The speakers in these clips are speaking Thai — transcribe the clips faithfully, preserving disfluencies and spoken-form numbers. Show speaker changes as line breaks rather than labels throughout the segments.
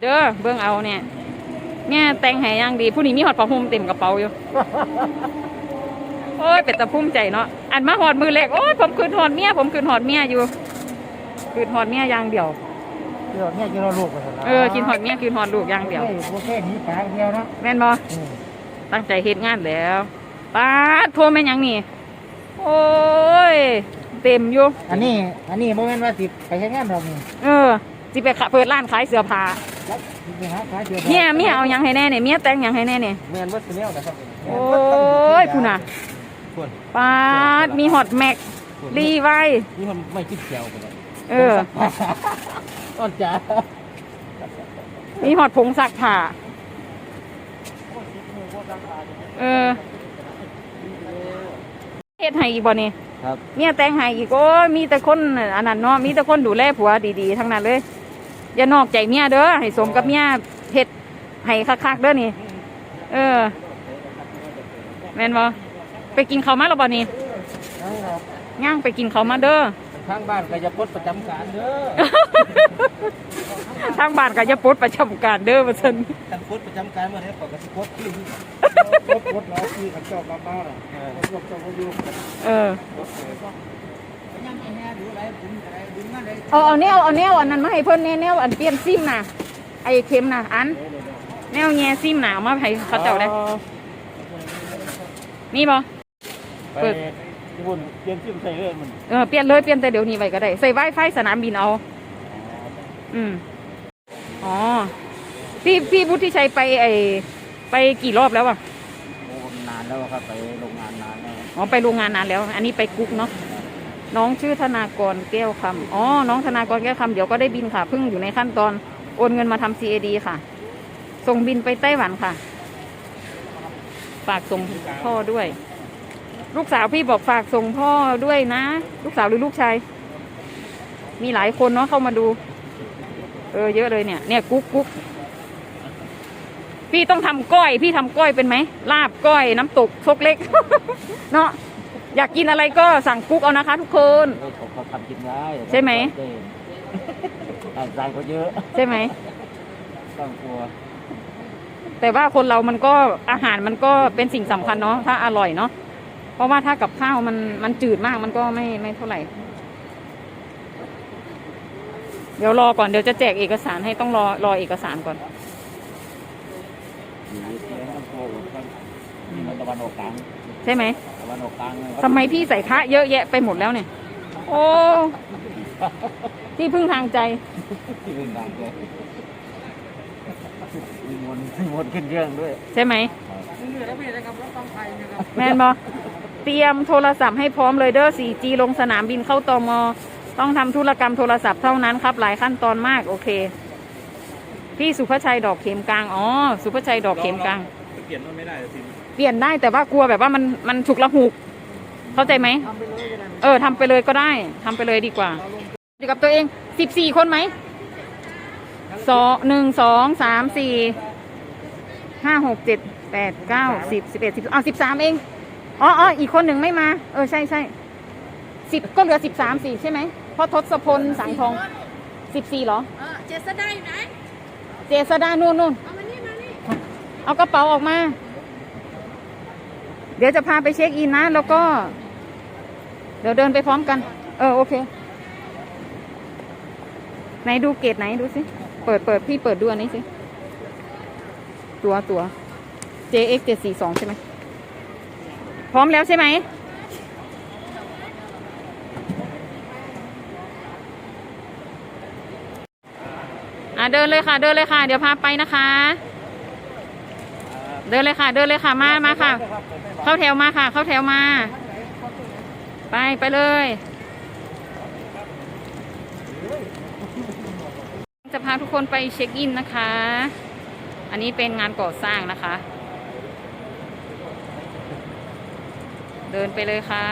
ด้อเบิ่งเอาเนี่ยแม่แต่งให้ย่างดีผู้นี้มีหอดผ้าห่มเต็มกระเป๋าอยู่โอ้ยเป็นตะพุ่มใจเนาะอันมาหอดมือเล็กโอ้ยผมคืนหอดเมียผมคืนหอดเมียอยู่คืนหอดเมียอย่างเดียว
เดี๋ยวเนี่ยกินลูกกัน
เออกินหอดเมียคืนหอดลูกอย่างเดียว
โอเคนี้ปากเดียวนะ
แม่นบ่ตั้งใจเฮ็ดงานแล้วป้าโทรแม่ยังนี่โอ้ยเต็มอยู่
อันนี้อันนี้โมเมนต์ว่าสิไปใช้งานเรานี่
เออสิไปเปิดร้านขายเสื้อผ้าเนี่ยเมียเอายังให้แน่เนี่ยเมียแต่งยังให้แน่เนี่ย
เมียนวัดเสียวนะครับ
โอ้ยพูน่ะป้ามีฮอตแม็กรีไว้
นี่มันไม่คิดเขียวกันเลย
เออ
ต้นจ๋า
มีฮอตผงซักผ้าเออเฮ็ดให้อีกบ่นี่
ครับ
เมียแต่งให้อีกโอ้มีแต่คนอันนั้นเนาะมีแต่คนดูแลผัวดีๆทั้งนั้นเลยอย่านอกใจเมียเด้อให้สมกับเมียเฮ็ดให้คักๆเด้อนี่เออแม่นบ่ไปกินข้าวมาแล้วบ่นี่ย่างไปกินข้าวมาเด้อ
ทางบ้านก็จะปลดประจำการเด้อ
ทางบ้านก็จะปลดประจำการเด้อว่าซั่น
กันปลดประจำการเมื่อไหร่ก็สิปลดที่ปลดปลดแล้วที่ขันเจ้ามาบ้านอ่ะปลดเจ้าก็อยู่
เออเอาเอาแนวเอาแนวอันนั้นมาให้เพิ่นแนวอันเปลี่ยนซิมน่ะไอ้เข็มน่ะอันแนวแง่ซิมน่ะเอามาให้เขาเจ้าได้มีบ่
เปิดบุญเปลี่ยนซิมใส่เลยมัน
เออเปลี่ยนเลยเปลี่ยนแต่เดี๋ยวนี้ไว้ก็ได้ใส่ Wi-Fi สนามบินเอาอืมอ๋อพี่พี่พุทธิชัยไปไอไปกี่รอบแล้วอ่ะ
โอ้นานแล้วครับไปโรงงานนานแล้ว
อ๋อไปโรงงานนานแล้วอันนี้ไปกุ๊กเนาะน้องชื่อธนากรแก้วคำอ๋อน้องธนากรแก้วคำเดี๋ยวก็ได้บินค่ะเพิ่งอยู่ในขั้นตอนโอนเงินมาทำ ซี เอ ดี ค่ะส่งบินไปไต้หวันค่ะฝากส่งพ่อด้วยลูกสาวพี่บอกฝากส่งพ่อด้วยนะลูกสาวหรือลูกชายมีหลายคนเนาะเข้ามาดูเออเยอะเลยเนี่ยเนี่ยกุ๊กกุ๊กพี่ต้องทำก้อยพี่ทำก้อยเป็นไหมลาบก้อยน้ำตกซกเล็ก เนาะอยากกินอะไรก็สั่งกุ๊กเอานะคะทุกคน
เขาทำกินได้
ใช่ไหม
ใจเขาเยอะ
ใช่ไหม
ต้องกลัว
แต่ว่าคนเรามันก็อาหารมันก็เป็นสิ่งสำคัญเนาะถ้าอร่อยเนาะเพราะว่าถ้ากับข้าวมันมันจืดมากมันก็ไม่ไม่เท่าไหร่เดี๋ยวรอก่อนเดี๋ยวจะแจกเอกสารให้ต้องรอรอเอกสารก่อน
ตะวันออกกลาง
ใช่ไหม
ตะวันออกกลาง
ทำไมพี่ใส่คะเยอะแยะไปหมดแล้วเนี่ยโอ้ที่พึ่งทางใจ
ที่พึ่งทางใจมีมนมีมนขึ้นเรื่องด้วย
ใช่ไหมแมนบอเตรียมโทรศัพท์ให้พร้อมเลยเด้อ โฟร์จี ลงสนามบินเข้าตม.ต้องทำธุรกรรมโทรศัพท์เท่านั้นครับหลายขั้นตอนมากโอเคพี่สุภชัยดอกเข็มกลางอ๋อสุภชัยดอกเข็มกลาง
เปลี่ยนไม่ได้สิ
เปลี่ยนได้แต่ว่ากลัวแบบว่ามันมันฉุกละหุกเข้าใจไหมเออทำไปเลยก็ได้ทำไปเลยดีกว่าดีกับตัวเองสิบสี่คนไหมสองหนึ่งสองสามสี่ห้าหกเจ็ดแปดเก้าสิบสิบเอ็ดสิบเอาสิบสามเองอ๋ออ๋ออีกคนหนึ่งไม่มาเออใช่ใช่สิบก็เหลือสิบสามสี่ใช่ไหมเพราะทศพลสังทองสิบสี่เหรอ
เออเจษดาอยู่ไหน
เจษดานู่นนู่น
เอามานี่มานี่
เอากระเป๋าออกมาเดี๋ยวจะพาไปเช็คอินนะแล้วก็เดี๋ยวเดินไปพร้อมกันเออโอเคไหนดูเกตไหนดูสิเปิดเปิดพี่เปิดดูอันนี้สิตัวตัว เจ เอ็กซ์ เจ็ดสี่สองใช่ไหมพร้อมแล้วใช่ไหมอ่ะเดินเลยค่ะเดินเลยค่ะเดี๋ยวพาไปนะคะเดินเลยค่ะเดินเลยค่ะมามาค่ะเข้าแถวมาค่ะเข้าแถวมาไปไปเลยจะพาทุกคนไปเช็คอินนะคะอันนี้เป็นงานก่อสร้างนะคะเดินไปเลยค่ะ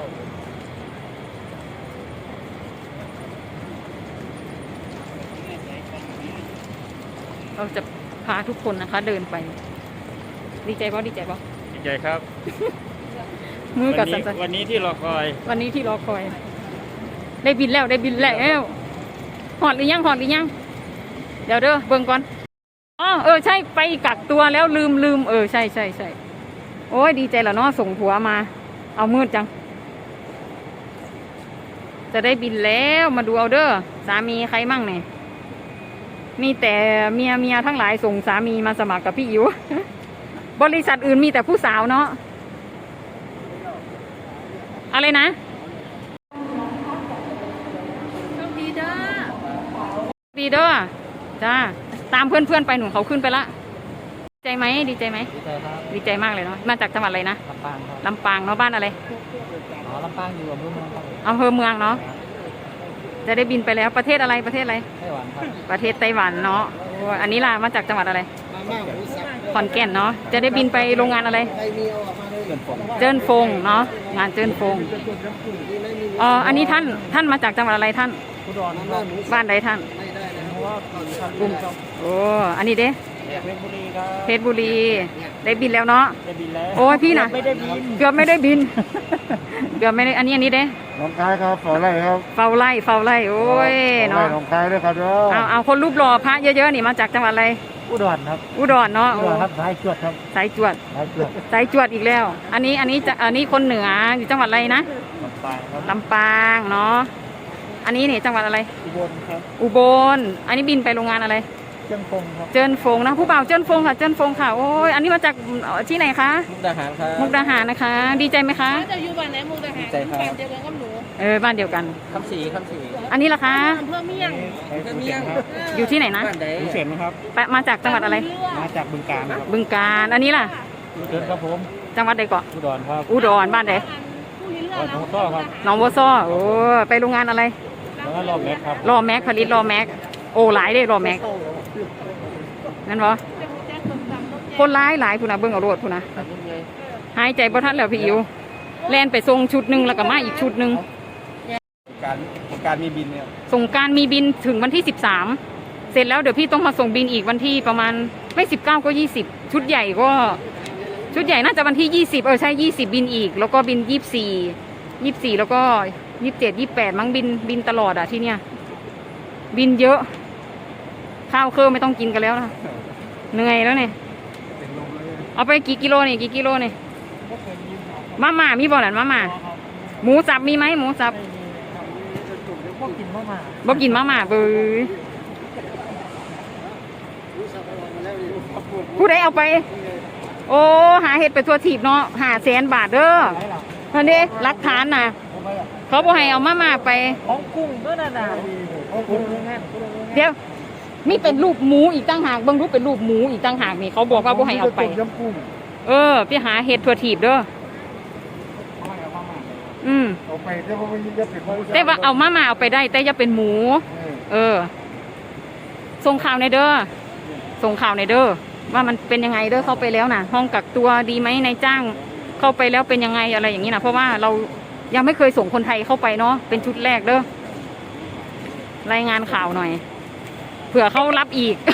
เราจะพาทุกคนนะคะเดินไปดีใจป่ะดีใจป่ะ
ดีใจครับ
มือกับสัน
วันนี้ที่รอคอย
วันนี้ที่รอคอยได้บินแล้วได้บินแล้วหอดหรือยังหอดหรือยังเดี๋ยวเด้อเบิ่งก่อนอ๋อเออใช่ไปกักตัวแล้วลืมลืมเออใช่ใช่ใช่โอ้ยดีใจแล้วเนาะส่งผัวมา เอามืดจัง จะได้บินแล้วมาดูเอาเด้อสามีใครมั่งเนี่ยมีแต่เมียเมียทั้งหลายส่งสามีมาสมัครกับพี่อิ๋ว บริษัทอื่นมีแต่ผู้สาวเนาะอะไรนะ
โชคดีเด้อ
ดีเด้อจ้าตามเพื่อนเพื่อนๆไปหนูเขาขึ้นไปละดีใจไหมดีใจไหม
ดีใจครับ
ดีใจมากเลยเนาะมาจากจังหวัดอะไรนะ
ลำปางครับ
ลำปางเนาะบ้านอะไร
อ๋อลำปางอยู่อำเภอเมืองครับ
อำเภอเมืองเนาะจะได้บินไปแล้วประเทศอะไรประเทศอะไร
ไต้หวันครับ
ประเทศไต้หวันเนาะโอ้อันนี้ล่ะมาจากจังหวัดอะไร
มาม่าหมูสับ
ขอนแก่นเนาะจะได้บินไปโรงงานอะไร
ใครมีเอาออกมาเลยเกินผม
เจิ้นฟงเนาะงานเจิ้นฟงอ๋ออันนี้ท่านท่านมาจากจังหวัดอะไรท่าน
ผู้ดอนน้ำมันหมู
บ้านใดท่าน
ไม่ได้นะเพราะว่าก่อนทำ
กลุ่มโอ้อันนี้เด้
เพชรบุรีครับ
เพชรบุรีได้บินแล้วเนาะ
ได้บินแล้ว
โอ้ยพี่น่ะ
ไม่ได้บิน
เกือบไม่ได้บิน เกือบไม่ได้อันนี้อันนี้เด้
น้องคายครับฝอไรครับ
เฝ้าไล่เฝ้าไล่โอ้ยเนาะ
น้องคายด้วยครับเด้อ
เอาเอาคนรูปหล่อพระเยอะๆนี่มาจากจังหวัดอะไร
อุดรครับ
อุดรเนาะ
อุ
โอ้
ดรครับสายจวดครับ
สายจวด
สายจวด
สายจวดอีกแล้ว อันนี้อันนี้จะอันนี้คนเหนืออยู่จังหวัดอะไรนะ
ลำปางครับ
ลำปางเนาะอันนี้นี่จังหวัดอะไร
อุบลครับ
อุบลอันนี้บินไปโรงงานอะไร
เชียงคงครับ
เจิ้นฟงนะผู้บ่าวเจิ้นฟงค่ะเจิ้นฟงค่ะโอ้ยอันนี้มาจากที่ไหนคะ
มุกดาหารครับ
มุกดาหารนะคะ ดีใจไหมคะ
ถ้าจะอยู่บ้านไหนมุกดาหาร
ดีใจครับ
แฟนเจอกันกับหนู
เออบ้านเดียวกัน
คำสีคำสี
อันนี้ล่ะคะ
อำเภอเมียง
คำเมียงครับ
อยู่ที่ไหนนะ
บ้านใดเสียนครับ
ไปมาจากจังหวัดอะไร
มาจากบึงกาฬครับ
บึงกาฬอันนี้ล่ะ
เดินครับผม
จังหวัดใดเกาะ
อุดรครับ
อุดรบ้านใด
ผู้นี้เลือ
วั
ด
ดหลวงพ่อครับ
หนองบัวซ้อโอ้ไปโรงงานอะไร
แล้วก็รอบแม็กครับ
รอแม็กผลิตรอแม็กโอ้หลายเด้รอแม็กนั่นบ่คนร้ายหลายผู้นะเบิ่งเอารวดผู้นะหายใจบ่ทันแล้วพี่อิ๋วแล่นไปส่งชุดหนึ่งแล้วก็มาอีกชุดหนึ่ง
การการมีบินเนี่ย
ส่งกรารมีบินถึงวันที่สิบสามเสร็จแล้วเดี๋ยวพี่ต้องมาส่งบินอีกวันที่ประมาณไม่สิบเก้าก็ยี่สิบชุดใหญ่ก็ชุดใหญ่น่าจะวันที่ยี่สิบเออใช่ยี่สิบบินอีก แล้วก็บินยี่สิบสี่ยี่สิบสี่แล้วก็ยี่สิบเจ็ดยี่สิบแปดมั้งบินบินตลอดอ่ะที่เนี้ยบินเยอะ ข้าวเครื่องไม่ต้องกินกันแล้วนะเหนื่อยแล้วเนี่ยเอาไปกี่กิโลเนี่ยกี่กิโลเนี่ยมาม่ามีบ่หลานมาม่าหมูสับมีไหมหมูสับ
พวกกินมากมา
บ่กินมาม่าเบ้ยผู้ใดเอาไป โอ้หาเห็ดไปทั่วทีบเนาะหาแสนบาทเด้อนั่นเด้รักฐานน่ะ เขาบ่ให้เอามาม่าไป
ของกุ้งก็น่าหนาของกุ้งแน่น
เดี๋ยวมีเป็นรูปหมูอีกตั้งหากเบิ่งรูปเป็นรูปหมูอีกตั้งหากนี่เขาบอกว่าบ่ให้เอาไป
ยำกุ้ง
เออไปหาเห็ดทั่วทีบเด้ออืม
เอาไปแต่ว่ามันจะเป็น
แต่ว่าเอามาม่าเอาไปได้ แต่อย่าเป็นหมู เออ ส่งข่าวในเด้อ ส่งข่าวในเด้อ ว่ามันเป็นยังไงเด้อเข้าไปแล้วนะห้องกักตัวดีไหมนายจ้าง เข้าไปแล้วเป็นยังไงอะไรอย่างนี้นะเพราะว่าเรายังไม่เคยส่งคนไทยเข้าไปเนาะ เป็นชุดแรกเด้อ รายงานข่าวหน่อย เผื่อเขารับอีก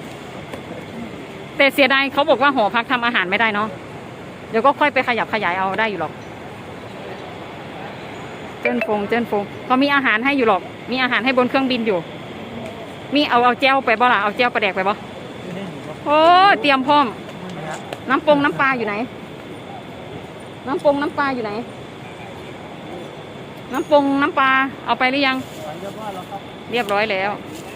แต่เสียดายเขาบอกว่าหอพักทำอาหารไม่ได้เนาะ เดี๋ยวก็ค่อยไปขยับขยายเอาได้อยู่หรอก เจิ้นฟงเจิ้นฟงเขามีอาหารให้อยู่หรอก มีอาหารให้บนเครื่องบินอยู่ มีเอาเอาแจ้วไปบ่ล่ะ เอาแจ้วปลาแดกไปบ่โอ้เตรียมพร้อม น้ำปงน้ำปลาอยู่ไหน น้ำปงน้ำปลาอยู่ไหน น้ำปงน้ำปลาเอาไปหรือยัง เรียบร้อยแล้ว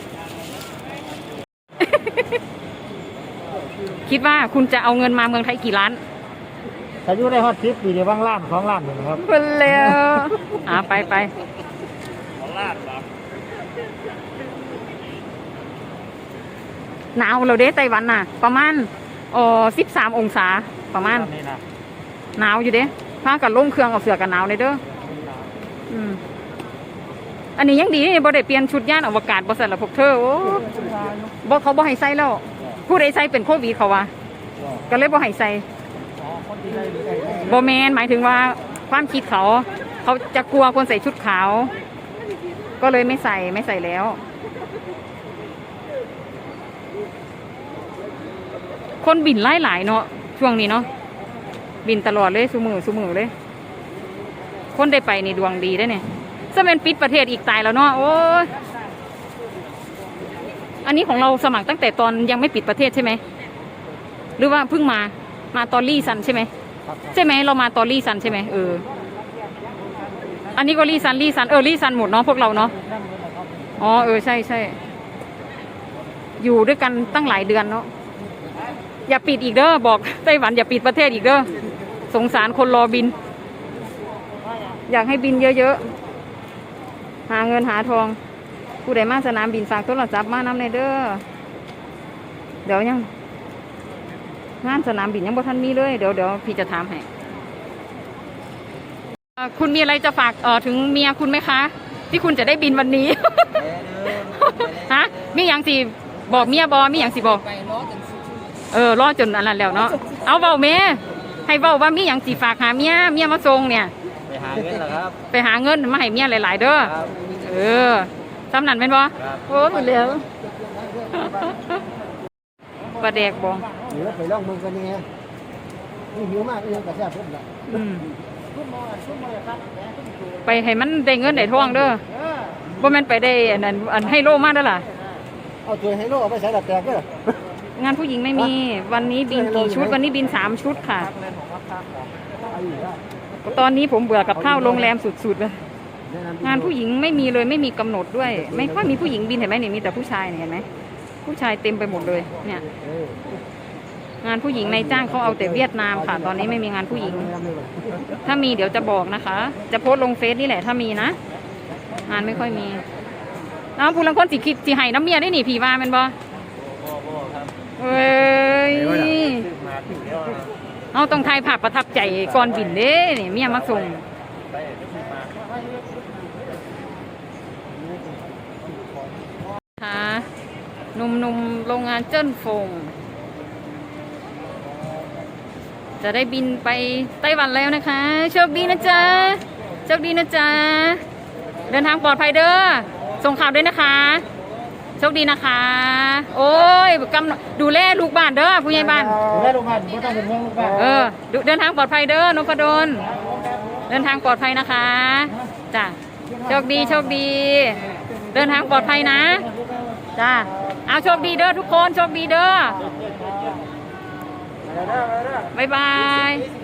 คิดว่าคุณจะเอาเงินมาเมืองไทยกี่ล้าน
อายุได้ฮอตทิปปีเดียวบ้างล้านสองล้านหนึ่งครับ
เพิ่นแล้วอ่าไปไปหนาวเราเด้ไต้หวันน่ะ ประมาณอ๋อสิบสามองศาประมาณ
นี่นะ
หนาวอยู่เด้ผ้ากับล่มเครื่องเอาเสือกันหนาวเลยเด้ออืมอันนี้ยังดีนี่บ่ได้เปลี่ยนชุดย่านอวกาศบ่สั่นละพวกเธอโอ้บ่เขาบ่ให้ใส่แล้ว ผู้ใดใส่เป็นโควิดเขาว่าก็เลยบ่ให้ใส่บ่แม่นหมายถึงว่าความคิดเขา เขาจะกลัวคนใส่ชุดขาว ก็เลยไม่ใส่ไม่ใส่แล้ว คนบินไล่หลายเนาะช่วงนี้เนาะบินตลอดเลยสุมือสุมือเลย คนได้ไปนี่ดวงดีได้เนี่ยจะเป็นปิดประเทศอีกตายแล้วเนาะโอ้ยอันนี้ของเราสมัครตั้งแต่ตอนยังไม่ปิดประเทศใช่ไหมหรือว่าเพิ่งมามาตอนลี่ซันใช่ไหมใช่ไหมเรามาตอนลี่ซันใช่ไหมเอออันนี้ก็ลี่ซันลี่ซันเออลี่ซันหมดเนาะพวกเราเนาะอ๋อเออใช่ใช่อยู่ด้วยกันตั้งหลายเดือนเนาะอย่าปิดอีกเด้อบอกไต้หวันอย่าปิดประเทศอีกเด้อสงสารคนรอบิน อยากให้บินเยอะๆหาเงินหาทองผู้ใดมาสนามบินฝากโทรศัพท์มานำในเด้อเดี๋ยวยังงานสนามบินยังบ่ทันมีเลยเดี๋ยวเดี๋ยวพี่จะถามให้เอ่อคุณมีอะไรจะฝากเอ่อถึงเมียคุณไหมคะ ที่คุณจะได้บินวันนี้ ฮะมีอย่างสิบอกเมียบอมีอย่างสิบอกเออรอจนอันนั้นแล้วเนาะเอาเบาเมให้เบาว่ามีอย่างสิฝากหาเมียเมียมาส่งเนี่ย
ไปหาเงินเหรอครับ
ไปหาเงินมาให้เมียหลายๆเด้อเออสำนันเป็นบ่โอ้หมดแล้วปลาแดกบ่
เดี๋ยวไปลองเมืองกันนี่ไงนี่หิวมากเรื่องกระแสพุ่มละ
อืมไปให้มันได้เงินได้ทองเด้อบ่แม่นไปได้อันนั้นอันให้โลมาเด้อล่ะ
เอาตัวให้โลกเอาไปใส่ดัดแตกเด้อง
านผู้หญิงไม่มีวันนี้บินกี่ชุดวันนี้บินสามชุดค่ะ ตอนนี้ผมเบื่อกับข้าวโรงแรมสุดๆเลยงานผู้หญิงไม่มีเลยไม่มีกำหนดด้วย ไม่ค่อยมีผู้หญิงบินเห็นไหมเนี่ยมีแต่ผู้ชายเนี่ยเห็นไหมผู้ชายเต็มไปหมดเลยเนี่ยงานผู้หญิงในจ้างเขาเอาแต่เวียดนามค่ะ ตอนนี้ไม่มีงานผู้หญิง ถ้ามีเดี๋ยวจะบอกนะคะ จะโพสต์ลงเฟซนี่แหละถ้ามีนะงานไม่ค่อยมีน้องผู้ลังคนสิคิดสิให้น้ำเมียได้หนิผีว่าแมันบ่เอ้ยเอาต้องทายภาพประทับใจก่อนบินเด้เนี่ยเมียมาส่งค่ะหนุ่มๆโรงงานเจิ้นฟงจะได้บินไปไต้หวันแล้วนะคะโชคดีนะจ๊ะโชคดีนะจ๊ะเดินทางปลอดภัยเด้อส่งข่าวด้วยนะคะโชคดีนะคะ โอ้ยกำดูแลลูกบ้านเด้อผู้ใหญ่บ้าน
ดูแลลูกบ้านไม่ต้องเป็นห่วงลูกบ้าน
เออเดินทางปลอดภัยเด้อนพดลเดินทางปลอดภัยนะคะจ้ะโชคดีโชคดี เดินทางปลอดภัยนะจ้ะเอาโชคดีเด้อทุกคนโชคดีเด้อบ๊ายบาย